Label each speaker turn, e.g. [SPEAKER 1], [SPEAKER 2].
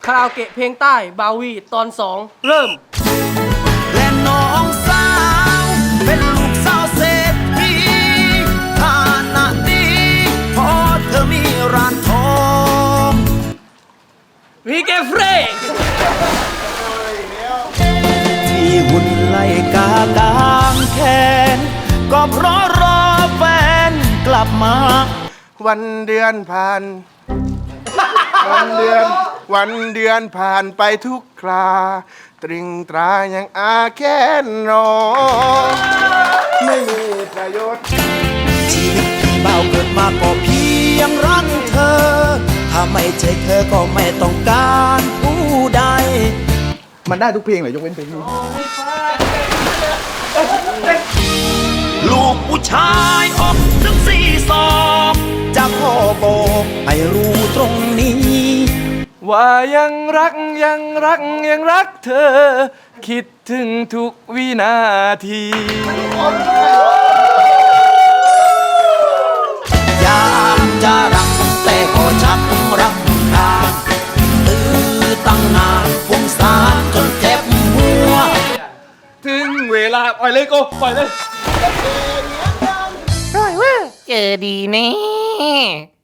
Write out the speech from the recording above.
[SPEAKER 1] คาราโอเกะเพลงใต้บาวีตอน 2 เริ่ม
[SPEAKER 2] และน้องสาวเป็นลูกสาวเศรษฐีฐานะดีเพราะเธอมีร้านทอง
[SPEAKER 1] วีเกเฟร
[SPEAKER 2] ที่หุ่นไล่กากางแขนก็เพราะรอแฟนกลับมา
[SPEAKER 3] วันเดือนผ่าน วันเดือนผ่านไปทุกครา ตรึงตรายังอาแค้นรอไม่มีประโยชน์
[SPEAKER 2] ชีวิตพี่เบาเกิดมาก็เพียงรักเธอ ถ้าไม่ใช่เธอก็ไม่ต้องการผู้ใด
[SPEAKER 3] มันได้ทุกเพลงเลยยกเว้นเพลงนี้
[SPEAKER 2] ลูกผู้ชายออกถึงสี่ศอกจะพ่อบอกให้รู้ตรงนี้
[SPEAKER 1] ว่ายังรักเธอ คิดถึงทุกวินาที
[SPEAKER 2] อยากจะรักแต่ก็ชักรักทางตื้อตั้งนานฟุ้งซ่านจนเจ็บหัว
[SPEAKER 1] ถึงเวลาปล่อยเลยโก้ปล่อยเลย
[SPEAKER 4] เจอดีแน่